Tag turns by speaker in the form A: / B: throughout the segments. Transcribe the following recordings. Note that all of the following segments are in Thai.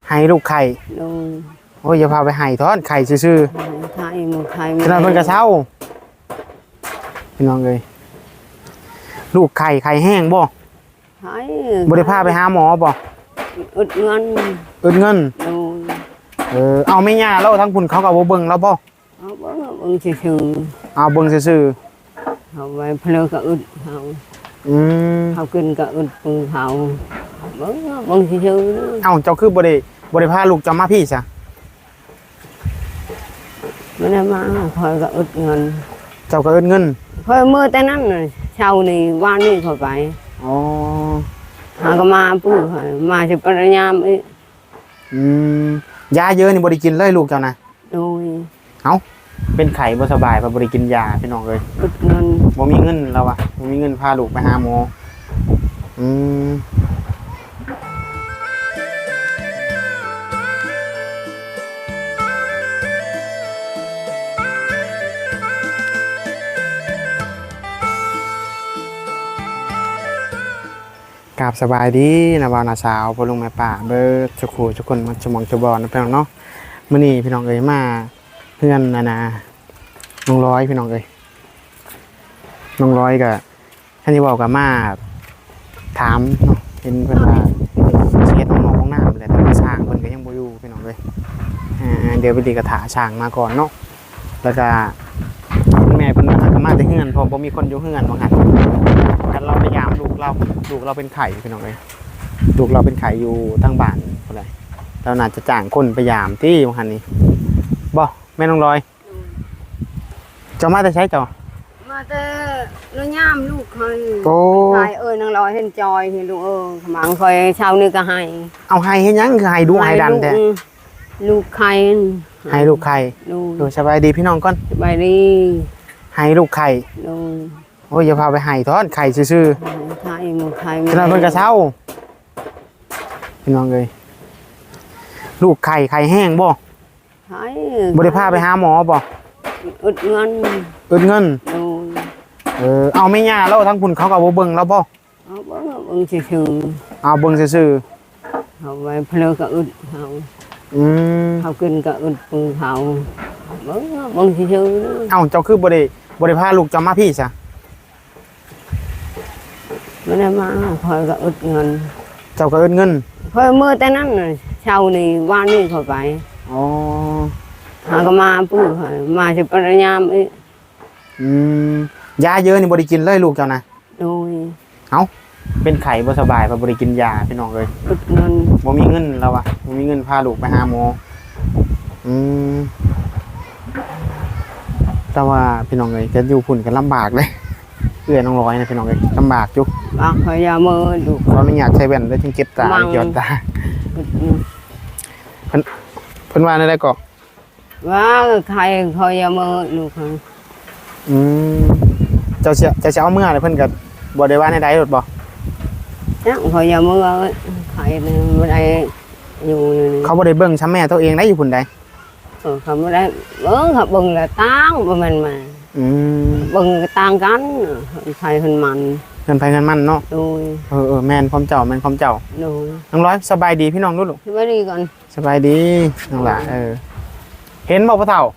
A: ให้ลูกไข่
B: โดย
A: โอ้ยอย่าพาไปให้ทอนไข่ซื่อ
B: ไข่หมูไข่
A: ๆฉะนั้นเพิ่นก็เศร้าพี่น้องเอ้ยลูกไข่แห้งบ่
B: ไข่
A: บ่ได้พาไปหาหมอบ่
B: อึดเงินโดย
A: เอาไม่ย่าแล้วทั้งพุ่นเขาก็บ่เบิ่งแล้วบ่
B: เอาเบิ่งซื่อ
A: เอาเบิ่งซื่อ
B: ๆเอาไว้เพลอก็อึดเขากินก็อึดปืนเขาเบิ่งซื่อ
A: เอ้าเจ้าคือบ่ได้พาลูกเจ้ามาพี่ซะ
B: ไม่ได้มาคอยก็อึดเงิน
A: เจ้าก็อึดเงิน
B: คอยมือแต่นั้นเช้านี่ว่านนี่คอยไป
A: อ๋อ
B: หาก็มาปู่มาจะปริญญามอีก
A: ยาเยอะนี่บ่ได้กินเลยลูกเจ้านะ
B: โดย
A: เอ้าเป็นไข้บ่สบายบ่ได้กินยาพี่น้องเอ้ย
B: อึดเงิน
A: บ่มีเงินแล้ววะบ่มีเงินพาลูกไปหาหมอกราบสบายดีนะบ่าวนาสาวพ่อลุงแม่ป้าเบิดทุกคู่ทุกคนมาสมองจะบ่นะพี่น้องเนาะมื้อนี้พี่น้องเอ้ยมาเพื่อนนะน้องร้อยพี่น้องเอ้ยน้องร้อยก็ท่านที่บอกกับมาถามเนาะเห็นเพิ่นว่าเช็ดน้องๆของน้ำแหละแต่ว่าช้างเพิ่นก็ยังบ่อยู่พี่น้องเอ้ยเดี๋ยวไปดีกระถาช้างมาก่อนเนาะแล้วก็แม่เพิ่นก็มาแต่เฮือนเพราะบ่มีคนอยู่เฮือนว่างั้นกันเราพยายามลูกเราเป็นไข่พี่น้องเอ้ยลูกเราเป็นไข่อยู่ทั้งบ้านพุ่นเลยเราน่าจะจ้างคนพยายามที่ว่างั้นนี่บ่แม่น้องร้อยเจ้ามาแต่ใช้เจ้า
B: มาแต่น้อยย่ามลูกเคยไข่นางลอยเห็นจอยเห็นลูกขมังคอยเช้านี่ก็ให้
A: เอาให้เห็นยังคือให้ดูให้ดันแต่
B: ลูกไข่
A: ให้ลูกไข่ดูสบายดีพี่น้องก่อน
B: สบายดี
A: ให้ลูกไข่โอ้ยอย่าพาไปให้ทอนไข่ซื่อ
B: ๆไข่หมูไข่
A: ฉะนั้นเพิ่นก็เศร้าพี่น้องเอ้ยลูกไข่แห้งบ่
B: ไข่
A: บ่ได้พาไปหาหมอบ่
B: อึดเงิน
A: เอาไม่ย่าแล้วทั้งพุ่นเขาก็บ่เบิ่งแล้วบ่
B: เอาเบิ่งซื่อ
A: ๆเอาเบิ่งซื่อ
B: ๆเอาไว้เพลอก็อึดเขากินก็อึดปืนเขาเบิ่งซื่อ
A: ๆเอ้าเจ้าคือบ่ได้พาลูกเจ้ามาพี่ซะ
B: ไม่ได้มาคอยก็อึดเงิน
A: เจ้าก็อึดเงิน
B: คอยมือแต่นั้นเช้านี่ว่านนี่คอยไป
A: อ๋อ
B: หาก็มาปู่มาจะปริญญามอีก
A: ยาเยอะนี่บ่ได้กินเลยลูกเจ้านะ
B: โดย
A: เอ้าเป็นไข้บ่สบายบ่ได้กินยาพี่น้องเอ้ย
B: อึดเงิน
A: บ่มีเงินแล้ววะบ่มีเงินพาลูกไปหาหมอแต่ว่าพี่น้องเอ้ยจะอยู่พุ่นกันลำบากเลยเอื้อน้องร้อยนะพี่น้องเอ้ยลำบากอยู่
B: คอยยามือดู
A: ขออนุญาตใช้แว่นแล้วจึงเก็บตาเกี่ยวตาเพิ่นว่าได้ก็
B: ว่าใครคอยยามือดูค่ะ
A: เจ้าเอาเมื่อเลยเพิ่นก็บ่ได้ว่าในใดหรอกบ่
B: คอยยามือใครบ่ได้อยู่
A: เขาบ่ได้เบิ่งช้ำแม่ตัวเองได้อยู่พุ่นใด
B: เขาบ่ได้เขาเบิ่งละตั้งบ่แม่นมาเบิ่งต่างกันใครเพิ่นมัน
A: เงินไปเงินมันเนาะ
B: โดย
A: แม่นพร้อมเจ้า
B: โดย
A: น้องร้อยสบายดีพี่น้องลูก
B: สบายดีก่อน
A: สบายดีน้องหล่ะเห็นบ่พ่อเฒ่า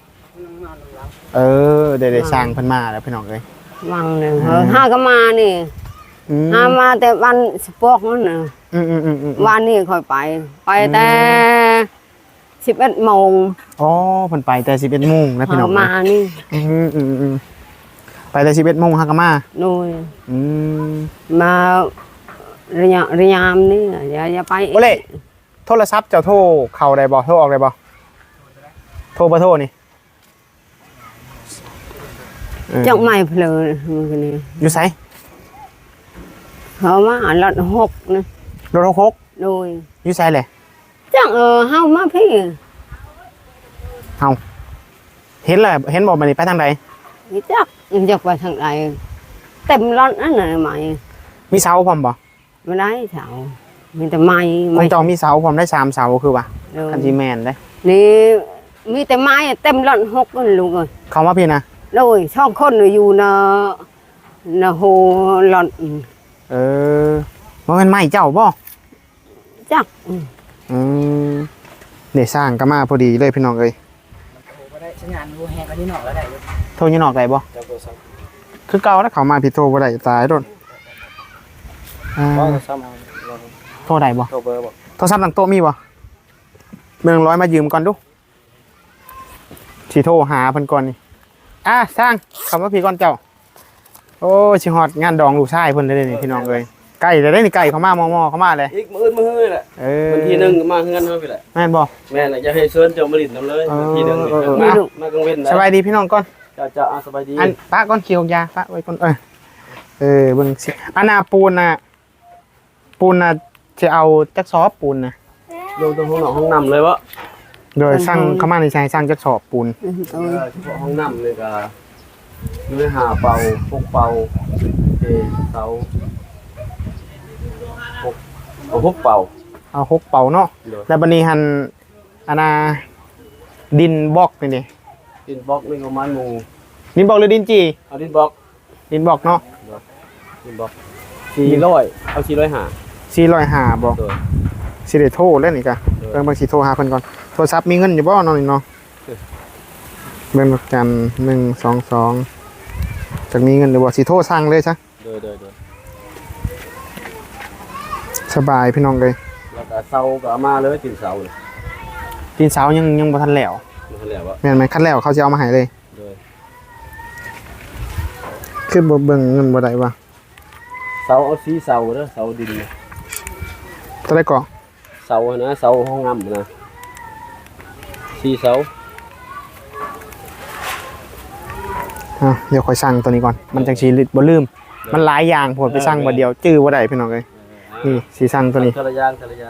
A: ได้สร้างเพิ่นมาแล้วพี่น้องเอ้ย
B: วังเลยห้าก็มานี่ห้ามาแต่วันสปอกนั่นน่ะวันนี้ค่อยไปแต่11 โมง
A: อ๋อเพิ่นไปแต่11 โมงนะพี่น้อง
B: มานี่
A: ไปแต่11 โมงฮักก็มา
B: โดยมาระยามนี่อย่าไป
A: โอเล่โทรศัพท์เจ้าโทรเข้าได้บ่โทรออกได้บ่โทรบ่โทรนี่
B: จังไม่เพลอมันนี่
A: อยู่ไส
B: เขามารถ6นะ
A: รถ6
B: โดย
A: อยู่ไสแหละ
B: จังเฮามาพี่
A: เฮาเห็นแล้วเห็นบ่มันนี่ไปทางใด
B: จักไปทางใดเต็มรถนั่นน่ะใหม่
A: มีเสาพร้อมบ่
B: บ่ได้เสามีแต่ไม้
A: ของเจ้ามีเสาพร้อมได้3 เสาคือว่าคันสิแม่นเด้
B: นี่มีแต่ไม้เต็มรถ6นั่นลูกเอ้ย
A: เข้ามาพี่นะ
B: โดยช่องคนอยู่นะโหรถ
A: บ่แม่นไม้เจ้าบ่
B: จัก
A: เนี่ยสร้างก็มาพอดีเลยพี่น้องเอ้ย
C: บ่ได้สัญญาณรูแฮงอันนี้นอกแล้วได้อยู่
A: โทรยังนอกได้บ่
C: เจ้าโทรศัพท์
A: คือเก่าแล้วเขามาพี่โทรบ่ได้ตายโดนอ่า
C: บ่โทรศัพท์เอาเรา
A: โทรได้บ่
C: โทรเบอร์บ่
A: โทรศัพท์หลังโต๊ะมีบ่เมืองร้อยมายืมก่อนดูสิโทรหาเพิ่นก่อนนี่สร้างคำว่าพี่ก่อนเจ้าโอ้สิฮอดงานดองลูกชายเพิ่นได้นี่พี่น้องเอ้ยไก่ได้นี่ไก่เขามามอเข้ามาเลย
C: อีกมื้อมื้อแหละวันที่1ก็มาเฮือนเฮาไปแหละ
A: แม่นบ่
C: แม่น่ะอย่าให้เชิญเจ้ามาลิ้นนำเลยวันที่1นี่มากลางเว้น
A: สบายดีพี่น้องก่อน
C: เจ้าสบายดี
A: อันป้าก้อนเขียวยาป้าไว้ก่อนเบิ่งสิอันน่ะปูนน่ะจะเอาจักซอบปูนน่ะ
C: ลงตรงห้องน้ำเลยวะ
A: โดยสร้างเข้ามาในชายสร้างจักสอบปูน
C: เฉพาะห้องน้ำเลยก็อยู่ในหาเป่าพกเป่าเสาพกเป่า
A: เอาหกเป่าเนาะแล้วบัดนี้หันอันน่ะดินบล็อกนี่ดิ
C: ดินบล็อกนี่ประมาณหมู่
A: ดินบล็อกหรือดินจี
C: เอาดินบล็อก
A: ดินบล็อกเนาะ
C: ดินบล็อก400เอา
A: 405บ่
C: 400
A: สิได้โทรแล้วนี่กะเบิ่งบางสิโทรหาเพิ่นก่อนโทรศัพท์มีเงินอยู่บ่เนาะนี่เนาะเบิ่งดอกจัน122จักมีเงินหรือบ่สิโทรสั่งเลยซะ
C: โดย
A: สบายพี่น้องเลย
C: แล้วก็เสาก็เอามาเลยตีนเสาเลย
A: ตีนเสายังบ่ทันแล้ว
C: นั่นแหละวะ
A: แม่นไหมคันแล้วเขาจะเอามาให้เลย
C: โดย
A: คือบ่เบิ่งเงินบ่ได้วะ
C: เสาเอาสีเสาเด้อเสาดิน
A: เท่าไหร่ก่อ
C: เสานะเสาห้องน้ำนะสีเสา
A: เดี๋ยวค่อยสั่งตัวนี้ก่อนมันจังสิบ่ลืมมันหลายอย่างโพดไปสั่งบ่เดียวจื้อบ่ได้พี่น้องเอ้ยนี่สิสั่งตัวนี้
C: ทะยาน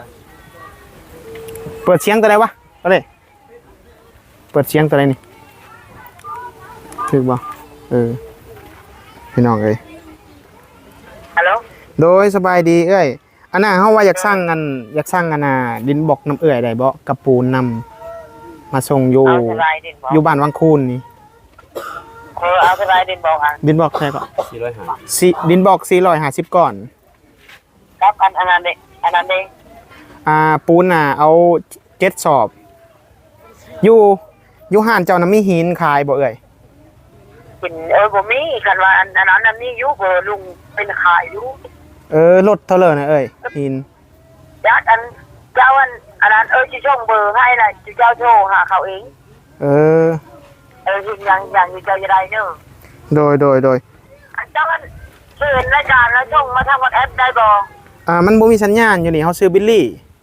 A: เปิดเสียงตัวไหนวะตัวนี้เปิดเสียงตัวไหนนี่ถูกบ่พี่น้องเอ้ย
B: ฮัลโหล
A: โดยสบายดีเอ้ยอันน่ะเฮาว่าอยากสร้างอันน่ะดินบล็อกน้ำเอื้อยได้บ่กับปูนนำมาส่งอยู่
B: เอาสบายดินบอก
A: อยู่บ้านวังคูนนี่
B: เอาสบายดินบอกอ่ะ
A: ดินบล็อกใช่ปะ
C: 400
A: ดินบล็อก450ก่อน
B: ครับอันนั้นเด็ก
A: ปูนน่ะเอา7สอบอยู่ห้านเจ้าน้ำมีหินขายบ่เอ่ย
B: กินบ่มีกันว่าอันนั้นนี่อยู่บ่ลุงเป็นขายอยู่
A: รถเท่าเลยนะเอ่ยหิน
B: ยัดอันเจ้าอันนั้นสิส่งเบอร์ให้น่ะเจ้าโทรหาเขาเองอย่างอยู่เจ้าจะได้เนอะ
A: โดย
B: อันเจ้าเชิญรายการแล้วส่งมาทาง WhatsApp ได้บ่
A: มันบ่มีสัญญาณอยู่นี่เฮาซื้อบิลลี่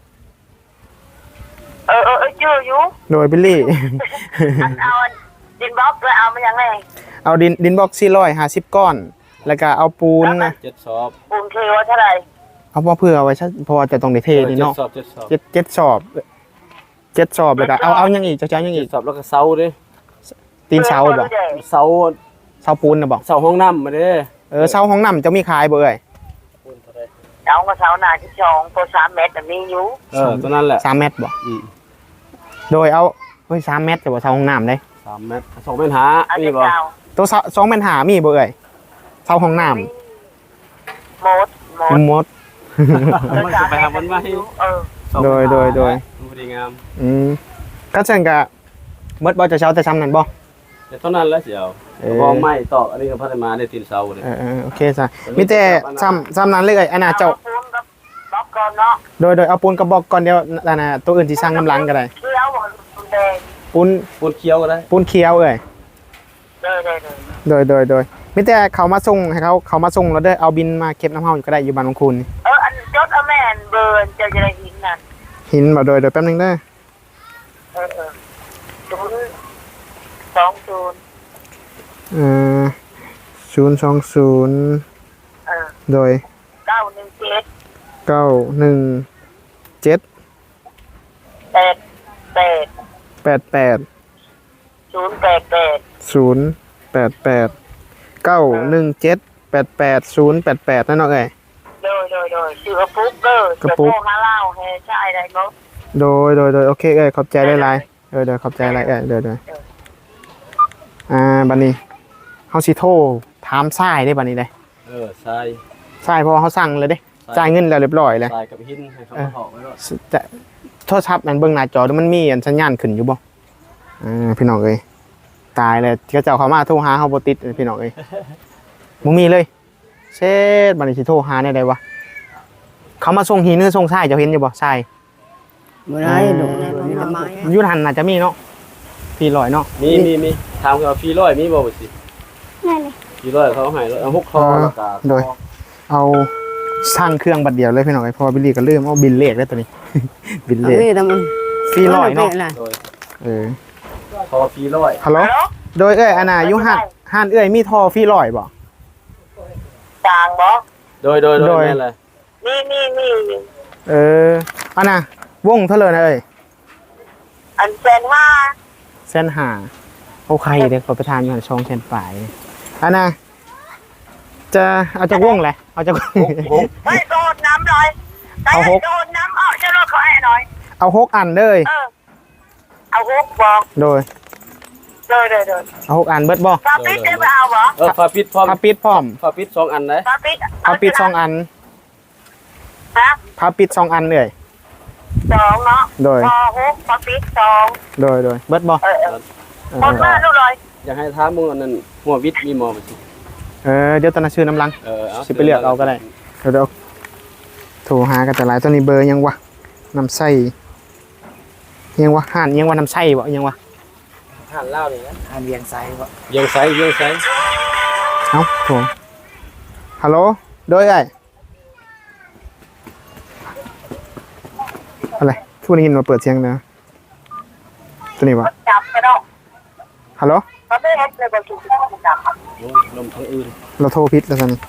B: เจออยู่
A: โดยบิลลี่
B: เอาดินบล็อกแล้วเอามาอย่างไร
A: เอาดินบล็อก450ก้อน แล้วก็เอาปูนนะ
C: 7 สอบ
B: ปูนเคว่าเท่าไหร่
A: เอาเพื่อเอาไว้เพราะว่าจะต้องได้เทนี่เนาะ
C: 7 สอบ
A: 7สอบ7สอบแล้วก็เอายังอีกจะยังอีก
C: 7 สอบแล้วก็เสาดิ
A: ตีนเสาบ่
C: เสา
A: ปูนน่ะบ่
C: เสาห้องน้ำมาเด้
A: เสาห้องน้ำจะมีขายบ่เอ่ย
B: เอามาเสาหน้าที่2ตัว3เมตรมีอยู่
C: ตัวนั้นแหละ
A: 3เมตรบ่โดยเอา3เมตรแต่ว่าเสาห้องน้ำได้
C: 3 เมตร2 เมตรหา
B: เอา
C: มี
B: จะ
C: บ่
B: เจ้า
A: ตัว2เมตรหามีบ่เอ่ยเสาห้องน้ำ
B: หมด
A: หมด
C: มันจะไปหามันมาให้
A: โดย
C: ดูดีงาม
A: ก็เช่นกับเมื่อบ่จะเช้าแต่ซ้ำนั่นบ่
C: แต่ตอนนั้นแล้วเสียวบองไม้ตอกอันนี้ก็พัฒนาได้ตีนเสาเลย
A: โอเคจ้ะมีแต่ซ้ำนั้นเลยอันน่ะเจ้า
B: ปูนกับบล็อกก่อนเนาะ
A: โดยเอาปูนกระบอกก่อนเดียวอันน่ะตัวอื่นสิสร้างน้ำลังก็ได้
B: เคี้ยวบ่ปูนแดง
C: ปูนเคี้ยวก็ได้
A: ปูนเขียวเอ้ย
B: เลย
A: โดยมีแต่เขามาส่งให้เขามาส่งแล้วเด้อเอาบินมาเก็บน้ำเฮาอยู่ก็ได้อยู่บ้านของคุณ
B: อันจดเอาแม่นเบอร์เจ้าจะได้หินนั่น
A: หินบ่โดยแป๊บนึงเด้อ 020 โดย
B: 917
A: 88 088 นั่นเนาะเอ้ย
B: โดยชื่อกระปุกเด้อกระปุกมาเล่าให้ใช่ได้บ่
A: โดยโอเคเอ้ยขอบใจหลายๆเดี๋ยวขอบใจหลายเดี๋ยวบัดนี้เฮาสิโทรถามทรายได้บัดนี้เด้
C: ทราย
A: ทรายเพราะว่าเฮาสั่งเลยเด้จ่ายเงินแล้วเรียบร้อยแล้ว
C: ทรายกับหินให้เขามาถอกไว้ก่อน
A: จะโททรศัพท์มันเบิ่งหน้าจอมันมีอันสัญญาณขึ้นอยู่บ่พี่น้องเอ้ยตายเลยเขาเจ้าเขามาโทรหาเฮาบ่ติดพี่น้องเอ้ยบ่มีเลยเช็ดบัดนี้สิโทรหาได้วะเขามาส่งหินหรือส่งทรายเจ้าเห็นอยู่บ่ทราย
B: บ่ได้ดอกมีแต่ไม้
A: อยู่หันน่าจะมีเนาะพี่ลอยเนาะ
C: มีถามว่าฟรีร้อยมีบ่บ่สิ
D: นั่นเลย
C: ฟรีร้อยเขาให้เอา6คอแล้วก็
A: โดยเอาสร้างเครื่องบัดเดียวเลยพี่น้องเอ้ยเพราะว่าบิลลี่ก็ลืมเอาบิลเลขได้ตัวนี้ บิลเลข
B: นี่แต่มัน
A: ฟรีลอยเนาะ
C: โดย
A: เ
C: คอฟรีร้อย
A: ฮัลโหลโดยอันน่ะอยู่หันมีท่อฟรีลอยบ่
D: จางบ่
C: โดยแม่นเลย
D: มี
A: อันน่ะวงเท่าเลยนะ
D: อันเซนว่า
A: เส้นหาโอเคเดี๋ยวขอประทานอยู่หันช่องเส้นปลายอันน่ะจะเอาจากวงแหละเอาจาก
D: ไม่โดนน้ำหน่อยโดนน้ำออกจะรถเขาให้หน่อย
A: เอา6อันเลย
D: เอาฮกบอก
A: โดย
D: โดย
A: เอา6อันเบิดบ่
D: ฟาปิดได้ไปเอาบ่
C: ฝาปิดพร้อม
A: พาปิดพร้อม
C: ฝาปิด2อันนะ
D: ฟาปิด
A: พาปิด2อัน
D: ฮะ
A: พาปิด2อันเลย
D: 2เนาะ
A: โดย
D: พอฮกฟาปิด2
A: โดยเบิดบ่
D: คนมาลูกเลย
C: อยากให้ถามมึงอันนั้นหัววิทย์มีหมอบ่สิ
A: เดี๋ยวตอนนั้นชื่อน้ำลัง
C: เอา
A: สิไปเลือกเอาก็ได้เดี๋ยวโทรหากันแต่หลายตัวนี้เบอร์ยังวะน้ำไส้ยังวะห่านยังวะน้ำไส้บ่ยังวะ
C: ห่านเล่านี่นะ
A: ห่านเวียงไส้บ่
C: เยียงไส
A: เอ้าโทรฮัลโหลโดยไอ้อะไรทุกคนได้ยินมาเปิดเสียงนะตัวนี้บ่
D: จับกระดก
A: ฮัลโหล
D: เขาไม่เฮ็ดเลยบ่ถูกจับ
C: ลมทั้งอื่น
A: เราโทรผิดแล้วตอนนี้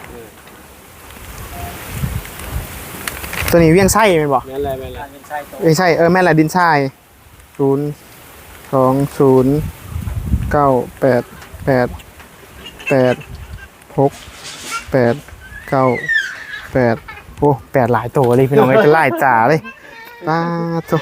A: ตัวนี้เวียงไส้แม่นบ่
C: แม่นเลย
A: เวียงไส้แม่นแหละดินทราย020988868 โอ้8หลายตัวเลยพี่น้องเอ้ยจะไล่จ่าเลยป้าตุ๊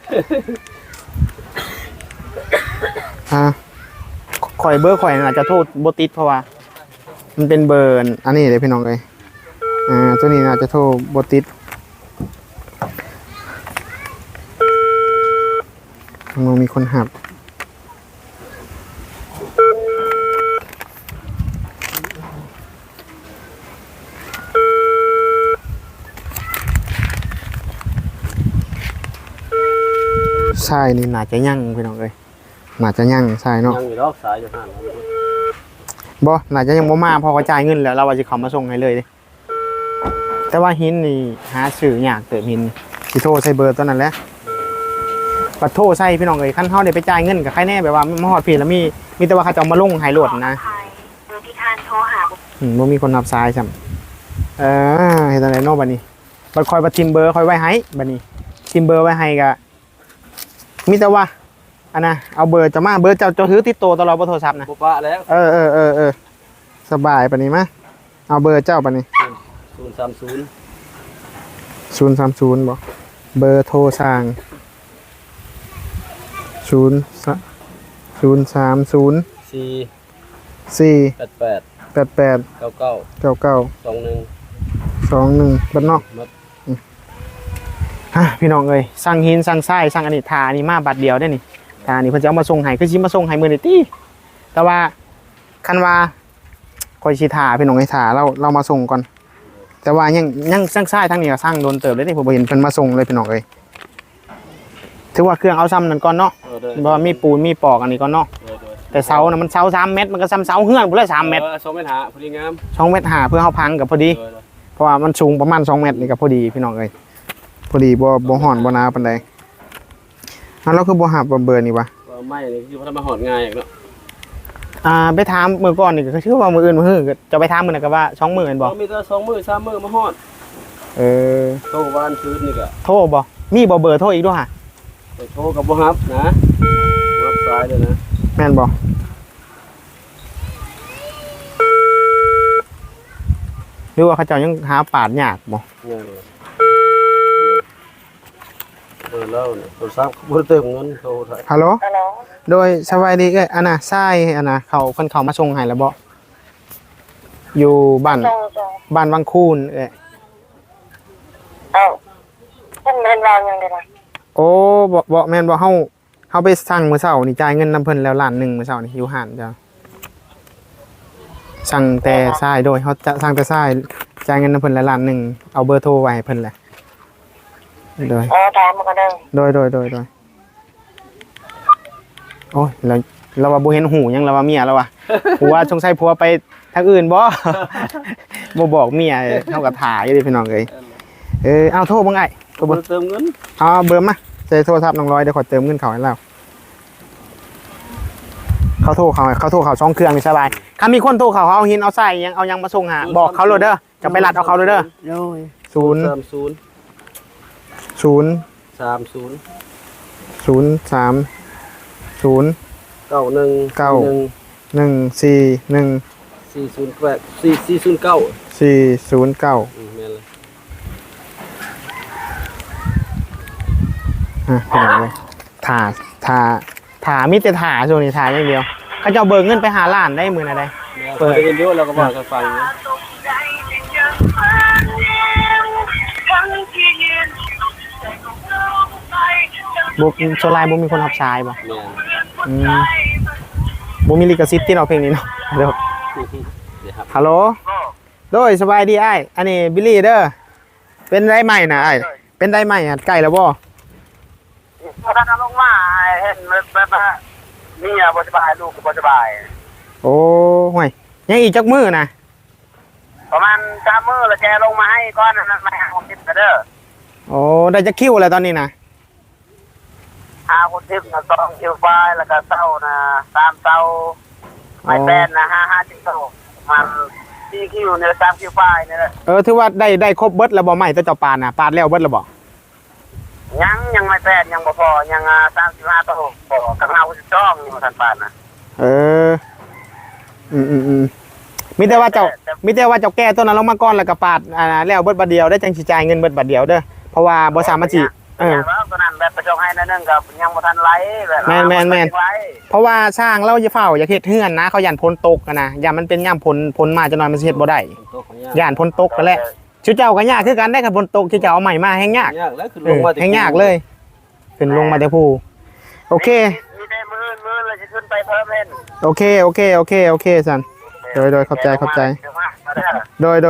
A: ข่อยเบอร์ข่อยน่าจะโทษบ่ติดเพราะว่ามันเป็นเบอร์อันนี้เลยพี่น้องเอ้ยตัวนี้น่าจะโทษบ่ติดมันมีคนหับใช่นี่น่าจะยั่งพี่น้องเอ้ยน่าจะยั่งใช่เนาะ
C: ยังอยู่รอบสายอยู่ห่าน
A: บ่น่าจะยังบ่มาพอกระจายเงินแล้วเราว่าจะเขามาส่งให้เลยเด้แต่ว่าหินนี่หาซื้อยากเติบหินสิโทรใส่เบอร์ตัวนั้นแหละปัดโทรใส่พี่น้องเอ้ยคันเฮาได้ไปจ่ายเงินกับใครแน่แบบว่ามาฮอดพี่แล้วมีแต่ว่าเขาจะเอามาลงให้โหลดนะ
D: โดยที่ทานโทรหา
A: บ่มีคนรับสายซ้ำเฮ็ดจังได๋เนาะบัดนี้บัดคอยบัดทิมเบอร์คอยไว้ให้บัดนี้ทิมเบอร์ไว้ให้ก็มีแต่ว่าอันน่ะเอาเบอร์จะมาเบอร์เจ้าถือติดตัวตลอดบ่โทรศัพท์นะ
C: ปุ๊บปะแล้ว
A: สบายปานนี้มาเอาเบอร์เจ้าปานนี้
C: 030
A: 030บ่เบอร์โทรสร้าง030
C: 4
A: 4
C: 88
A: 88
C: 99
A: 99
C: 21
A: 21บัดเนาะ
C: มัด
A: พี่น้องเอ้ยสั่งหินสั่งทรายสั่งอันนี้ทาอันนี้มาบัดเดียวได้นี่ทาอันนี้เพิ่นจะเอามาส่งให้คือสิมาส่งให้มื้อนี้ติแต่ว่าคันว่าคอยสิทาพี่น้องให้ทาเรามาส่งก่อนแต่ว่ายังสั่งทรายทั้งนี้ก็สั่งโดนเติบเลยนี่ผมบ่เห็นเพิ่นมาส่งเลยพี่น้องเอ้ยถือว่าเครื่องเอาซ้ำนั่นก่อนเนาะบ่มีปูนมีปอกอันนี้ก่อนเนาะแต่เสาน่ะมันเสา3เมตรมันก็ซ้ำเสาเฮือนพุ่นเลย3เมตร
C: 2เมตรหาพอดีงาม
A: 2เมตร5เพื่อเฮาพังก็พอดีเพราะว่ามันสูงประมาณ2เมตรนี่ก็พอดีพี่น้องเอ้ยพอดีบ่ฮ้อนบ่หนาวปานใดเราคือบ่หับเบอร์นี่วะ
C: ไม่นี่คือพัฒนาหอดง่ายอย่างเนาะ
A: ไปถามมือก่อนนี่ก็คือว่ามืออื่นมือหื้อจะไปถามมือน่ะก็ว่า2มื้อแม่นบ่
C: มีแต่2 มื้อ 3 มื้อมาหอด โทรบ้านคืนนี่ก็
A: โทรบ่มีบ่เบอร์โทรอีกด้วยฮะ
C: ไปโทรกับบ่ฮับนะรับสายเลยนะ
A: แม่นบ่หรือว่าเขาเจ้ายังหาปาดยากบ่
C: เนี่ยแล้วเนี่ยโทรศัพท์บ่ได้เติมเงินโทรไทย
A: ฮัลโหล
D: ฮัลโหล
A: โดยสวัสดีอันน่ะทรายอันน่ะเขาเพิ่นเข้ามาส่งให้แล้วบ่อยู่บ้าน
D: ส่ง
A: บ้านวังคูน
D: เอ้าเพิ่นเรียนราวยังไงล่ะ
A: โอ้บ่แม่นบ่เฮาไปสั่งมื้อเช้านี่จ่ายเงินนำเพิ่นแล้วล้านหนึงมื้อเช้านี่อยู่ห้านจ้ะสั่งแต่ทรายโดยเฮาจะสั่งแต่ทรายจ่ายเงินนำเพิ่นแล้วล้านหนึงเอาเบอร์โทรไว้ให้เพิ่นแหละโดย
D: ถามมาก็ได้
A: โดยโอ้ยเราว่าบ่เห็นหูหยังเราว่าเมียเราว่ะผัวสงสัยผัวไปทางอื่นบ่ บ่บอกเมียเฮาก็ถ่ายอยู่ดิพี่น้องเอ้ยเอาโทรบ่ไอ้โทรบ่
C: เติมเงิน
A: เอาเบอร์มาใส่โทรศัพท์น้องร้อยเดี๋ยวขอเติมเงินเขาให้เราเขาโทรเขาช่องเครื่องนี่สบายถ้ามีคนโทรเขาเอาหินเอาใส่ยังเอายังมาส่งหาบอกเขาเลยเด้อจะไปรัดเอาเขาเลยเด้อ
B: โดย
C: 30
A: 409พี่น้องเลยถ่ามิแต่ถ่าช่วงนี้ถ่าอย่างเดียวเขาจะเอาเบิกเงินไปหาล้านได้มือนะได้
C: เปิดเดี๋ยวเราก็บอกกันฟังนะ
A: บุโซไลน์บุมีคนขับชายป่ะ
C: แม่น
A: บุมีลิขสิทธิ์ที่เราเพลงนี้เนาะเดี๋ยวฮัลโหลโดยสบายดีไอ้อันนี้บิลลี่เด้อเป็นได้ใหม่นะไอ้เป็นได้ใหม่ใกล้แล้วบ่
D: พอท่านลงมาเห็นแบบมีอ่ะบ่สบายลูกก็บ่สบาย
A: โอ้ห่วยยังอีกจักมือนะ
D: ประมาณ3มื้อแล้วแกลงมาให้ก้อนนั้นมาหาคนทิพย์เด้อ
A: โอ้ได้จักคิวแล้วตอนนี้นะ
D: หาคนทิพย์นะ2คิวไฟแล้วก็เต้านะ3เต้าไม่แป้นนะ5จิตโตมัน4คิวเนี่ย3คิวไฟนี่แหละ
A: ถือว่าได้ครบเบิดแล้วบ่ใหม่ตัวเจ้าปานน่ะปาดแล้วเบิดแล้วบ่
D: ยังไม่แป้นยังบ่พอยัง35โตบ่กับเฮาสิจ้องอยู่ทันปานนะ
A: มีแต่ว่าเจ้าแก้ตัวนั้นลงมาก่อนแล้วก็ปาดแล้วเบิดบัดเดียวได้จังสิจ่ายเงินเบิดบัดเดียวเด้อเพราะว่าบ่สามารถสิ
D: แล้วตอนนั้นแบบไปจองให้นั่นนึงกับยังบ่ทันไหลแบบ
A: แม่นเพราะว่าช่างเราจะเฝ้าอย่าเฮ็ดเฮือนนะเขาย่านพ้นตกนะย่านมันเป็นย่ามพ้นมาจะนอนมันสิเฮ็ดบ่ได้ย่านพ้นตกกันแหละชื่อเจ้าก็ยากคือกันได้กับพ้นตกที่เจ้าเอาใหม่มาแฮงยาก
C: แล้วคือลงมา
A: แฮงยากเลยขึ้นลงมาแต่ผู้โอเค
D: มีได้มื้อแล้วจะขึ้นไปเพิ่มเล่น
A: โอเคสันโดยขอบใจโดย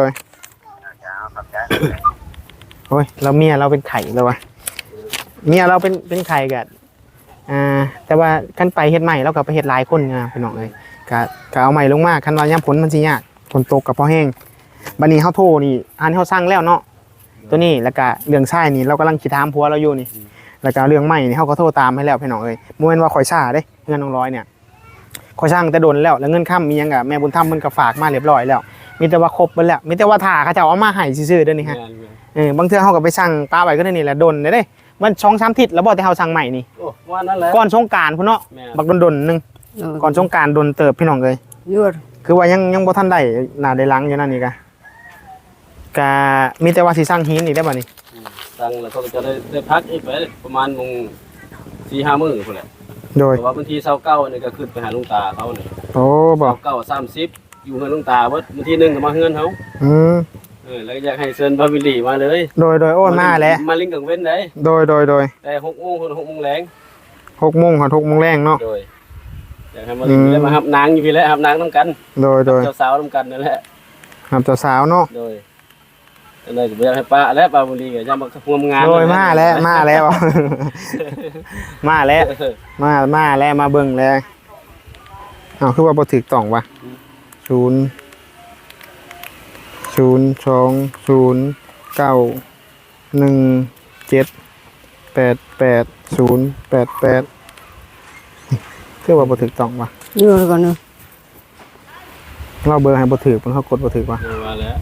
A: โอ้ยเราเมียเราเป็นไข่แล้ววะเมียเราเป็นไข่กันแต่ว่าขั้นไปเฮ็ดใหม่เราก็ไปเฮ็ดหลายคนไงพี่น้องเลยก็เอาใหม่ลงมาคันว่าย่ำผลมันสิยากฝนตกกับพอแห้งบัดนี้เฮาโทรนี่อันเฮาสร้างแล้วเนาะตัวนี้แล้วก็เรื่องชายนี่เรากำลังคิดถามผัวเราอยู่นี่แล้วก็เรื่องใหม่นี่เฮาก็โทรตามให้แล้วพี่น้องเอ้ยบ่แม่นว่าข่อยช้าเด้เงินน้องร้อยเนี่ยข่อยสร้างแต่โดนแล้วเงินค้ำมีหยังก็แม่บุญธรรมเพิ่นก็ฝากมาเรียบร้อยแล้วมีแต่ว่าครบเบิดแล้วมีแต่ว่าถ้าเขาเจ้าเอามาให้ซื่อๆเด้อนี่ฮะบางเทื่อเฮาก็ไปสั่งปลาไว้ก็ได้นี่แหละดนเด้มัน 2-3 ทิศแล้วบ่แต่เฮาสั่งใหม่นี่
C: โอ้ว่านั่นแหละ
A: ก่อนสงกรานต์พุ่นเนาะบักดนๆนึงก่อนสงกรานต์ดนเติบพี่น้องเอ้ย
B: ยวด
A: คือว่ายังบ่ทันได้หน้าได้หลังอยู่นั่นนี่ก็มีแต่ว่าสิสั่งหินอีกได้บ่นี่
C: สั่งแล้วก็จะได้พักอีกไปประมาณมง4-5 มื้อพุ่นแหละ
A: โดย
C: เพราะว่าบางที29นี่ก็ขึ้นไปหาลุงตาเขานี่
A: โอ้บ่
C: 29-30อยู่เฮือนลุงตาเบิดบางทีนึงก็มาเฮือนเฮา แล้วอยากให้เชิญบาวิลลี่มาเลย
A: โดยโอ้ยมาแล้ว
C: มาลิงกังเว้นได้
A: โดย
C: แต่6 โมงคน6 โมงแรง
A: 6 โมงถึง6 โมงแรงเนาะ
C: โดยอยากให้มาลิงได้มาหับนางอยู่พี่แหละหับนางนำกัน
A: โดย
C: เจ้าสาวนำกันนั่นแหละ
A: ครับเจ้าสาวเนาะ
C: โดยก็เลยอยากให้ป้าและบาวิลลี่ก็จะมาร่วมงาน
A: โดยมาแล้วมาแล้ว มาแล้วมาเบิ่งแล้วคือว่าบ่ถูกต้องว่ะ02091788088คือว่าบ่ถูกต้องว่ะ
B: ยวดก่อนเนาะ
A: เราเบอร์ให้บ่ถูกเพิ่นเขากดบ่ถูกว่ะ
C: ว่าแล้ว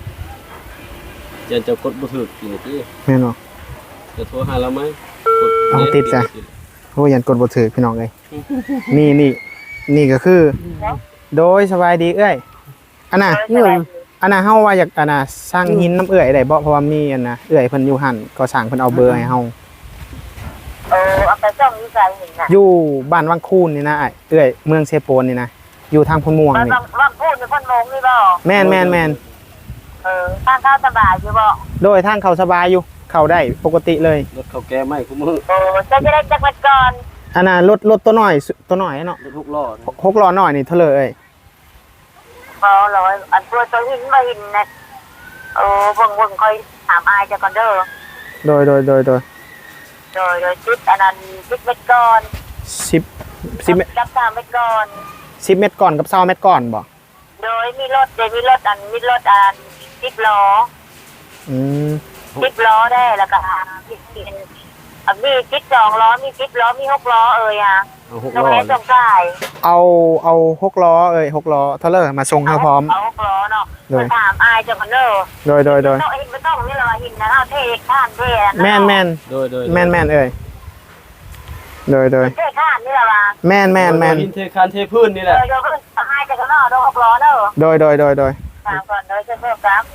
C: จะกดบ่ถูกกี่นาที
A: แม่นบ่
C: จะโทรหาเราไหม
A: เอาติดจ้ะ โอ้ยันกดบ่ถูกพี่น้องเอ้ยนี่ก็คือ โดยสบายดีเอ้ยอันน่ะ
B: ยวด
A: อันน่ะเฮาว่าอยากอันน่ะสร้างหินน้ำเอื้อยได้บ่เพราะว่ามีอันน่ะเอื้อยเพิ่นอยู่หั่นก็สร้างเพิ่นเอาเบอร์ให้เฮา
D: เอาไปจ้องอยู่ไสเห็นน่ะ
A: อยู่บ้านวังคูนนี่นะอ้ายเอื้อยเมืองเซโปนนี่นะอยู่ทางพนม่วงนี่
D: บ้านพูดในพ่นโมงนี่บ่
A: แม่น
D: ทางเข้าสบายอยู่บ่
A: โดยทางเขาสบายอยู่เข้าได้ปกติเลย
C: รถเขาแก้ไม่คุ้มือ
D: โอ้จะได้จักรก่อน
A: อันน่ะรถตัวน้อยเนาะ
C: รถทุกล้อนะ
A: 6ล้อน้อยนี่เท่าเลย
D: พอร้อยอันตัวหินมาหินนะโอ้เบิ่งคอยถามอายจะก่อนเด้อ
A: โดย
D: โดยจิตอันนั้นจิตเม็ดก่อน
A: 10เมตร
D: กับ3เม็ดก่อน
A: 10เมตรก่อนกับ20เมตรก่อนบ่
D: โดยมีรถอัน10ล้อ
A: อืม
D: 10ล้อได้แล้วก็มี12ล้อมี10ล้อมี6ล้ออ่ะ
C: เอาหก
D: ตรง
C: ล้อ
D: นี้ตรงกาย
A: เอา6ล้อ6ล้อเท่าเลยมาส่งให้พร้อม
D: เอา6ล้อเนาะ
A: โดย
D: ถามอายจะก่อนเด้อ
A: โดย
D: ต้องหินไม่ต้องนี่เลยหินนะเอาเทข้ามเท
A: แม่น
C: โดย
A: แม่นเอ้ยโดย
D: เทข้ามนี่แหละว่ะ
A: แม่น
C: หินเทคานเทพื้นนี่แหละ
D: โดยก็ให้จะกันเนาะ6ล้อเด้อ
A: โดย
D: ถามก่อนโดยจะเพิ่มครับ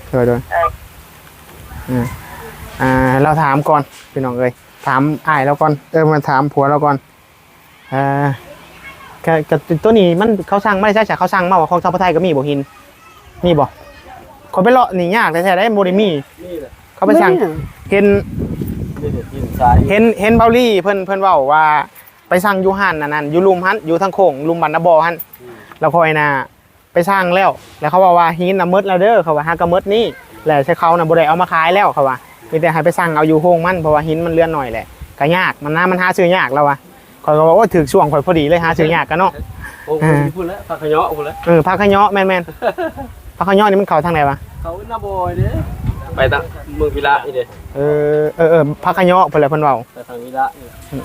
A: เราถามก่อนพี่น้องเอ้ยถามอ้ายเราก่อนมาถามผัวเราก่อนกับตัวนี้มันเขาสั่งไม่ใช่เขาสั่งมาว่าของชาวไทยก็มีบ่หินมีบ่คนไปเลาะนี่ยากแต่ได้บ่ได้มี
C: นี่แหละ
A: เขาไปสั่งเห็น
C: นี่หินทราย
A: เห็นเบาลี่เพิ่นเว้าว่าไปสั่งอยู่หันนั่นอยู่ลุมหันอยู่ทางโค้งลุมบันนาบอหันแล้วคอยน่ะไปสั่งแล้วเขาบอกว่าหินน่ะมืดแล้วเด้อเขาว่าหากะมืดนี่แล้วใช้เขาน่ะบ่ได้เอามาขายแล้วเขาว่ามีแต่ให้ไปสั่งเอาอยู่โฮงมันเพราะว่าหินมันเลื่อนหน่อยแหละก็ยากมันหาซื้อยากแล้วว่ะคอยก็บอกว่าถึกช่วงคอยพอดีเลยหาซื้อยากกันเนาะ
C: โอ้โหพูดแล้วพักขยะพูดแล้ว
A: ผักขะเยาะแม่นผักขะเยาะนี่มันเข้าทางไหนวะ
C: เขาหน้าบอยเด้ไปทางเมืองพิระนี่เด้
A: ผักขะเยาะเพิ่นแหละเพิ่นเว้า
C: ไปทางพิระนี่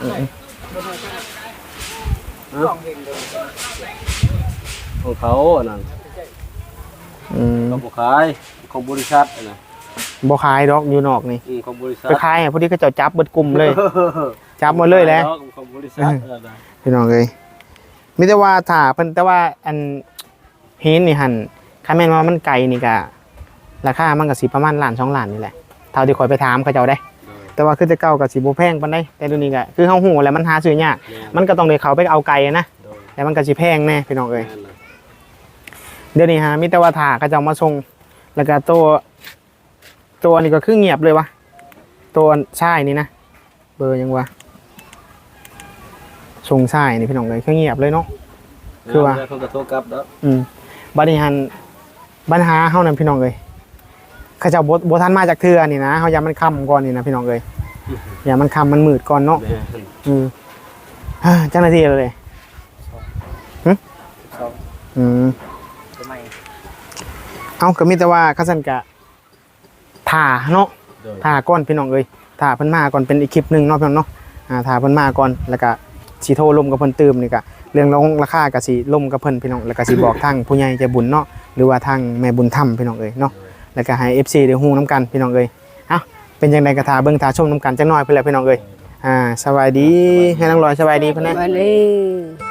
C: ของเขาอันนั้นเขาบอกขายของบริษัทนะ
A: บ่ขายดอกอยู่นอกนี่
C: ของบริษัท
A: ไปขายพอดีเขาเจ้าจับเบิดกลุ่มเลยจับหมดเลยแหละ
C: ของบริษัท
A: พี่น้องเอ้ยมีแต่ว่าถ้าเพิ่นแต่ว่าอันหินนี่หั่นคันแม่นว่ามันไกลนี่ก็ราคามันก็สิประมาณล้าน2ล้านนี่แหละเท่าที่ข่อยไปถามเขาเจ้าได้ แต่ว่าคือแต่เก่าก็สิบ่แพงปานใดแต่เดี๋ยวนี้ก็คือเฮาฮู้แหล้วมันหาซื้อยากมันก็ต้องได้เข้าไปเอาไกลนะแล้วมันก็สิแพงแน่พี่น้องเอ้ยเดี๋ยวนี้ฮะมีแต่ว่าถ้าเขาเจ้ามาส่งแล้วก็ตัวนี้ก็คือเงียบเลยวะตัวชายนี่นะเบอร์ยังวะส่งชายนี่พี่น้องเอ้ยคือเงียบเลยเนาะคือว่า
C: เขาจะโทรกลับแล้ว
A: บัดนี้หันปัญหาเฮานั่นพี่น้องเอ้ยเขาเจ้าบ่ทันมาจากเทื่อนี่นะเฮาอย่ามันค่ำก่อนนี่นะพี่น้องเอ้ยอย่ามันค่ำมันมืดก่อนเนาะจังนาทีเลยเอาก็มีแต่ว่าคัซั่นก็ถ่าเนาะถ่าก่อนพี่น้องเอ้ยถ่าเพิ่นมาก่อนเป็นอีกคลิปนึงเนาะพี่น้องเนาะถ่าเพิ่นมาก่อนแล้วก็สิโทรลมกับเพิ่นตื่มนี่ก็เรื่องราคาก็สิลมกับเพิ่นพี่น้องแล้วก็สิบอกทางผู้ใหญ่ใจบุญเนาะหรือว่าทางแม่บุญธรรมพี่น้องเอ้ยเนาะแล้วก็ให้ FC ได้ฮู้นํกันพี่น้องเอ้ยเอ้าเป็นจังไดก็ท่าเบิ่งท่าชมนํกันจักหน่อยเพิ่นแหละพี่น้องเอ้ยสวัสดีให้น้องลอยสวัสดีเพิ่นนะ
B: สวัสดี